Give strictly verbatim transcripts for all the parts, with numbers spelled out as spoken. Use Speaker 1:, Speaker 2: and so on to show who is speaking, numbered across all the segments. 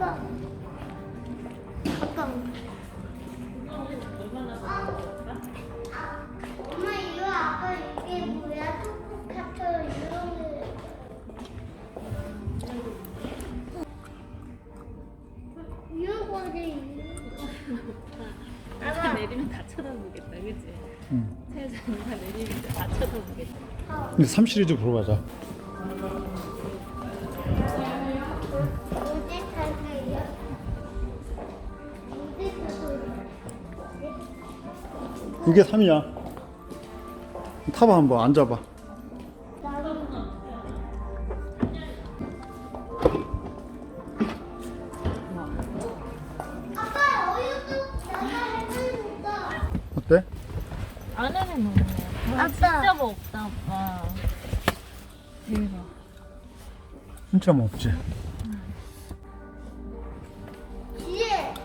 Speaker 1: 아빠. 아빠. 엄마 이거 아빠 이게 뭐야? 토크카터 이런 거. 이런 거지.
Speaker 2: 다 내리면 다 쳐다보겠다, 그치?
Speaker 3: 응.
Speaker 2: 세상에 다 내리면 다 쳐다보겠다.
Speaker 3: 근데 삼 시리즈 보러 가자.
Speaker 1: 언제 탈까요? 언제 탈까요?
Speaker 3: 이게 삼이야. 타봐 한번 앉아봐.
Speaker 1: 아빠 어이도 나가 해보니까.
Speaker 3: 어때?
Speaker 2: 안에는 너무
Speaker 1: 아빠.
Speaker 2: 진짜 먹다, 아빠. 대박.
Speaker 3: 진짜 먹지.
Speaker 1: 뒤에.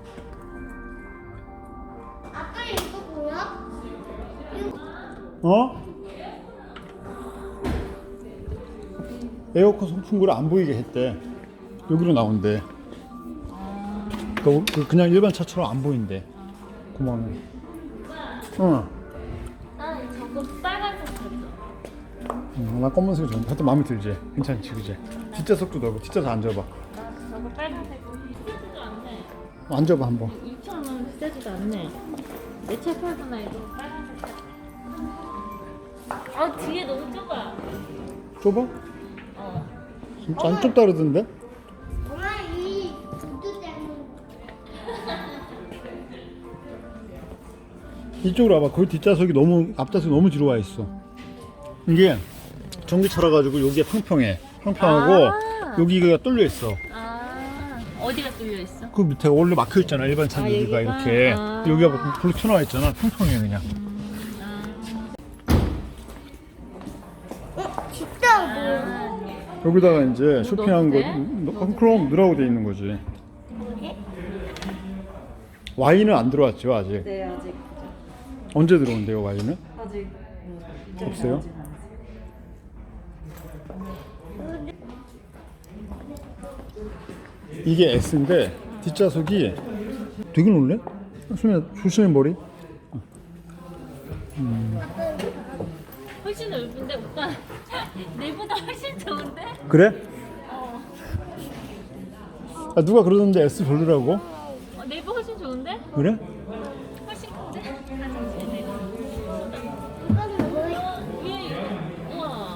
Speaker 1: 아빠 이거 뭐야?
Speaker 3: 어? 에어컨 송풍구를 안 보이게 했대. 여기로 나온대. 그, 그 그냥 일반 차처럼 안 보인대. 고마워. 응.
Speaker 2: 난 저거 빨간색 줬어.
Speaker 3: 응, 나 검은색이 좋은데. 하여튼 마음에 들지. 괜찮지, 그지? 뒷좌석도 넓어. 뒷좌석 앉아봐.
Speaker 2: 나 저거 빨간색 비싸지도 않네.
Speaker 3: 앉아봐 한번.
Speaker 2: 이천 원 비싸지도 않네. 내 차 팔거나 이거 빨간색 사. 아, 뒤에 너무 좁아.
Speaker 3: 좁아?
Speaker 2: 어.
Speaker 3: 진짜 안 좁다 그러던데?
Speaker 1: 엄마 이 구두 때문에.
Speaker 3: 이쪽으로 와봐. 거기 뒷좌석이 너무 앞좌석이 너무 뒤로 와 있어. 이게 전기차라 가지고 여기가 평평해. 평평하고
Speaker 2: 아.
Speaker 3: 여기가 뚫려 있어.
Speaker 2: 아, 어디가 뚫려 있어?
Speaker 3: 그 밑에 원래 막혀 있잖아. 일반 차
Speaker 2: 아,
Speaker 3: 여기가
Speaker 2: 여기가?
Speaker 3: 이렇게
Speaker 2: 아.
Speaker 3: 여기가 불 튀어나와 있잖아. 평평해 그냥.
Speaker 1: 어? 진짜 뭐야?
Speaker 2: 아,
Speaker 3: 여기다가 이제 쇼핑한 거
Speaker 2: 넣어도 돼?
Speaker 3: 음, 그럼 넣으라고 돼 있는 거지. 와인은 안 들어왔죠 아직.
Speaker 4: 네, 아직
Speaker 3: 언제 들어온대요 와인은?
Speaker 4: 아직 음,
Speaker 3: 없어요? 이게 S인데 뒷좌석이 되게 놀래? 수민아 조심해 머리.
Speaker 2: 훨씬 넓은데 오빠 내보다 훨씬 좋은데?
Speaker 3: 그래?
Speaker 2: 어.
Speaker 3: 아, 누가 그러던데 S 별로라고?
Speaker 2: 어, 내부 훨씬 좋은데?
Speaker 3: 그래?
Speaker 2: 훨씬 큰데?
Speaker 1: 이건 뭐야?
Speaker 2: 위에 우와.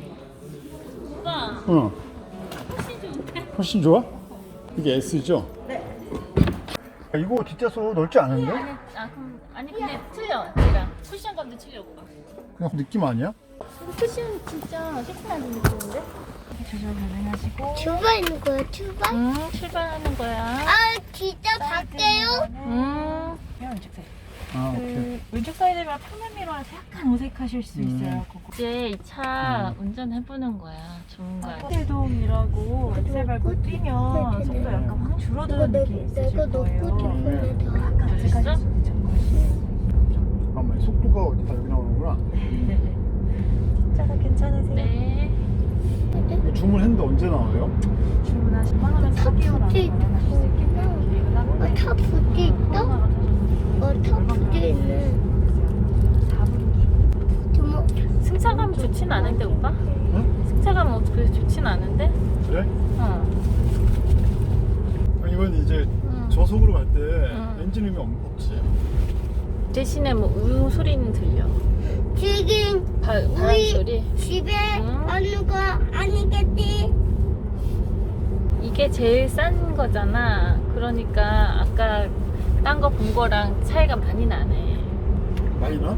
Speaker 2: 오빠
Speaker 3: 어.
Speaker 2: 훨씬 좋은데?
Speaker 3: 훨씬 좋아? 이게 S죠?
Speaker 4: 네.
Speaker 3: 아, 이거 뒷좌석 넓지 않은데?
Speaker 2: 아니, 아 그럼 아니 근데 틀려 얘랑 쿠션감도 틀려 오빠.
Speaker 3: 그냥 느낌 아니야?
Speaker 2: 쿠션 진짜 세팅하는 느낌인데?
Speaker 4: 조절 가능하시고
Speaker 1: 출발 있는 거야? 출발?
Speaker 2: 응 출발하는 거야.
Speaker 1: 아 진짜 갈게요?
Speaker 2: 응.
Speaker 4: 왼쪽 사이드.
Speaker 3: 아 오케이.
Speaker 4: 그 왼쪽 사이드가 표면 미러라서 약간 어색하실 수 있어요. 그거.
Speaker 2: 이제 이 차 운전해보는 거야. 좋은 거야.
Speaker 4: 호텔돔이라고 엑셀 밟고 뛰면 속도 약간 확 줄어드는
Speaker 1: 내가
Speaker 4: 느낌이
Speaker 1: 내가
Speaker 4: 있으실
Speaker 1: 넣고
Speaker 4: 거예요.
Speaker 1: 싶은데 다.
Speaker 4: 약간 어색하실 수 있죠.
Speaker 3: 잠깐만 속도가 어디다 여기 나오는구나.
Speaker 4: 뒷좌석 괜찮으세요?
Speaker 2: 네.
Speaker 3: 주문했는데 언제 나와요?
Speaker 4: 주문하시면 한 사 개월 안에 마련하실 수 있기 때문에 계획은 하고
Speaker 1: 어, 타 붙이 있어? 어, 타 붙이 있네.
Speaker 4: 사 분기.
Speaker 1: 주먹.
Speaker 2: 승차감 좋진 않은데 오빠?
Speaker 3: 응?
Speaker 2: 승차감 어떻게 좋진 않은데?
Speaker 3: 그래?
Speaker 2: 어.
Speaker 3: 아, 이건 이제
Speaker 2: 응.
Speaker 3: 저속으로 갈 때
Speaker 2: 응.
Speaker 3: 엔진음이 없- 없지.
Speaker 2: 대신에 뭐 우유 소리는 들려.
Speaker 1: 지금
Speaker 2: 바, 바람
Speaker 1: 우리
Speaker 2: 소리.
Speaker 1: 집에
Speaker 2: 응.
Speaker 1: 오는 거 아니겠지?
Speaker 2: 이게 제일 싼 거잖아. 그러니까 아까 딴 거 본 거랑 차이가 많이 나네.
Speaker 3: 많이 나?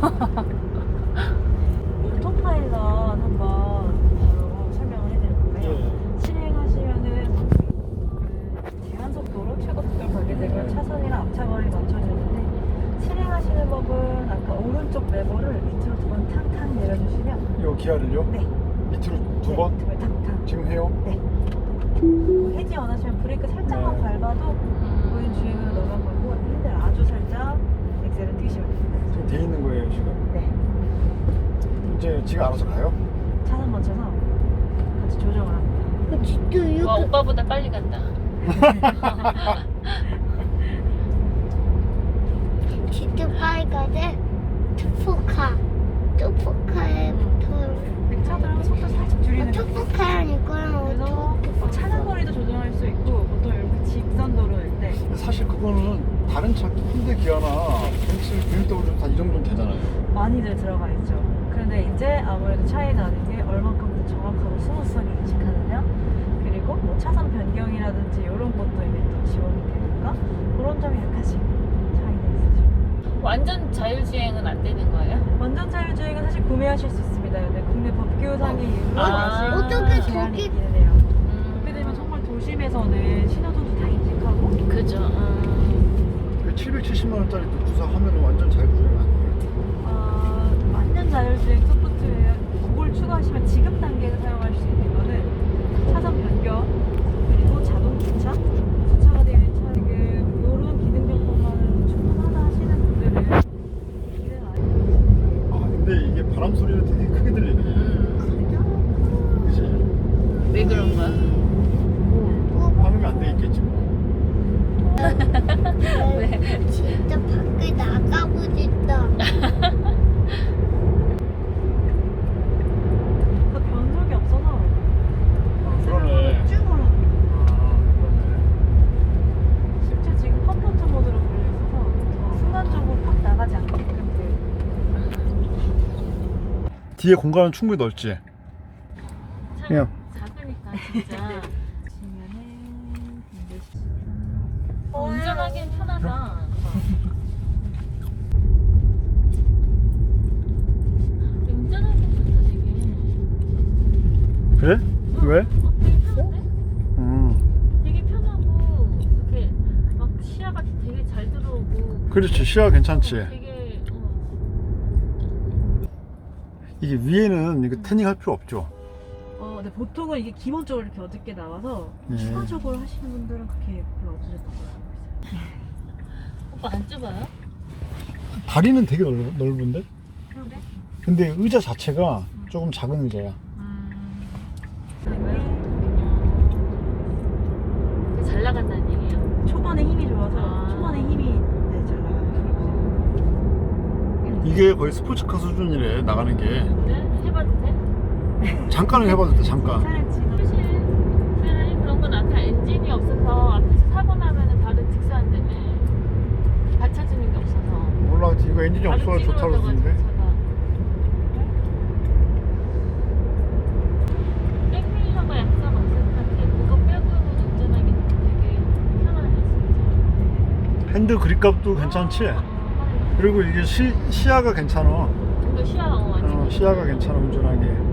Speaker 4: 오토파일럿 한번 바로 설명을 해드릴 건데요. 실행하시면은 그 제한 속도로 최고 속도를 걸게 되면 차선이랑 앞차거리 맞춰주는데 실행하시는 법은 아까 오른쪽 레버를 밑으로 두 번 탕탕 내려주시면
Speaker 3: 이거 기아를요?
Speaker 4: 네.
Speaker 3: 밑으로 두
Speaker 4: 네,
Speaker 3: 번?
Speaker 4: 두 번 탕탕.
Speaker 3: 지금 해요?
Speaker 4: 네. 뭐 해지 원하시면 브레이크 살짝만
Speaker 3: 네.
Speaker 4: 밟아도 보인 주행으로 넘어가고 핸들 아주 살짝 엑셀을 뛰시면 됩니다.
Speaker 3: 지금 돼 있는 거예요 지금?
Speaker 4: 네.
Speaker 3: 이제 지가 알아서 가요?
Speaker 4: 차선 맞춰서 같이 조정을 합니다.
Speaker 1: 진짜
Speaker 2: 와
Speaker 1: 이렇게
Speaker 2: 오빠보다 빨리 간다.
Speaker 1: 진짜 빨간데 투포카 투포카에 붙어요.
Speaker 4: 차들은 속도 살짝 줄이는 거.
Speaker 1: 투포카랑 이거랑
Speaker 4: 그래서
Speaker 1: 어떻게
Speaker 4: 뭐 차량 거리도 조정할 수 있고 보통 이렇게 직선 도로일 때
Speaker 3: 사실 그거는 다른 차 현대 기아나 벤츠, 비엠더블유 다 이 정도는 되잖아요.
Speaker 4: 많이들 들어가 있죠. 그런데 이제 아무래도 차이 나는 게 얼만큼 더 정확하고 스무스하게 인식하느냐, 그리고 뭐 차선 변경이라든지 이런 것도 이제 또 지원이 되니까 그런 점이 약간씩 차이가 있으죠.
Speaker 2: 완전 자율주행은 안 되는 거예요?
Speaker 4: 완전 자율주행은 사실 구매하실 수 있습니다. 근데 국내 법규상의 이유로
Speaker 2: 아,
Speaker 4: 아직
Speaker 1: 어떻게
Speaker 4: 제한이
Speaker 1: 저기-
Speaker 4: 있기는 해요.
Speaker 2: 음,
Speaker 4: 그렇게 되면 정말 도심에서는 신호등도 다 인식하고
Speaker 2: 그죠. 음.
Speaker 3: 그 칠백칠십만 원짜리 구사 하면 완전 자율주행 아니에요?
Speaker 4: 어, 완전 자율주행 소프트웨어 그걸 추가하시면 지금 단계에서 사용할 수 있는 거는 차선 변경 그리고 자동 주차 주차가 되어 있는 차 지금 이런 기능 정보만으로도 충분하다 하시는 분들은 이는 아니에요.
Speaker 3: 아 근데 이게 바람 소리는 되게 크게 들리네.
Speaker 2: 음.
Speaker 3: 그치?
Speaker 2: 왜 그런 거야?
Speaker 3: 방음이 안 돼 있겠지 뭐.
Speaker 2: 왜?
Speaker 1: 진짜 밖에 나가고 싶다.
Speaker 4: 그 변속이 없어서
Speaker 3: 아, 그러네.
Speaker 4: 쭉 올라.
Speaker 3: 아 그러네.
Speaker 4: 심지어 지금 컴포트 모드로 걸려 있어서 순간적으로 확 나가지 않게끔 돼.
Speaker 3: 뒤에 공간은 충분히 넓지?
Speaker 2: 참
Speaker 3: 그냥.
Speaker 2: 작으니까 진짜
Speaker 4: 보시면은 근데
Speaker 2: 어, 운전하기엔 편하다. 운전하기엔 좋다 되게.
Speaker 3: 그래? 왜?
Speaker 2: 어, 되게 편한데?
Speaker 3: 음.
Speaker 2: 되게 편하고 이렇게 막 시야가 되게 잘 들어오고.
Speaker 3: 그렇지, 시야 괜찮지.
Speaker 2: 되게 어,
Speaker 3: 이게 위에는 이거 태닝 할 필요 없죠?
Speaker 4: 어, 근데 보통은 이게 기본적으로 이렇게 어둡게 나와서
Speaker 3: 예.
Speaker 4: 추가적으로 하시는 분들은 그렇게 별로 없으셨던 걸로 알고 있어요.
Speaker 2: 오빠 안 좁아요?
Speaker 3: 다리는 되게 넓, 넓은데?
Speaker 4: 그런데
Speaker 3: 근데 의자 자체가 조금 작은 의자야.
Speaker 2: 되게 잘 나간다는 얘기예요.
Speaker 4: 초반에 힘이 좋아서
Speaker 2: 아.
Speaker 4: 초반에 힘이 네, 잘 나가는 편이고요.
Speaker 3: 이게 거의 스포츠카 수준이래, 나가는 게.
Speaker 2: 그래? 해봐도 돼?
Speaker 3: 잠깐은 해봐도 돼, 잠깐.
Speaker 4: 차량 지도
Speaker 2: 사실 차라리 그런 건 아까 엔진이 없어서 앞에서 사고 나면은 바로 직사한다며. 받쳐주는 게 없어서.
Speaker 3: 몰라, 이거 엔진이
Speaker 2: 바로
Speaker 3: 없어서 좋다고
Speaker 2: 찌그러져가지고
Speaker 3: 그러는데.
Speaker 2: 차가. 백밀러가 약간 없을 것 같아. 그거 빼고는 운전하기 되게 편하네 진짜.
Speaker 3: 핸들 그립값도 괜찮지?
Speaker 2: 어, 어,
Speaker 3: 그리고 이게 시, 시야가 괜찮아.
Speaker 2: 어. 이거 시야 어, 완전
Speaker 3: 어, 시야가 괜찮아, 운전하기.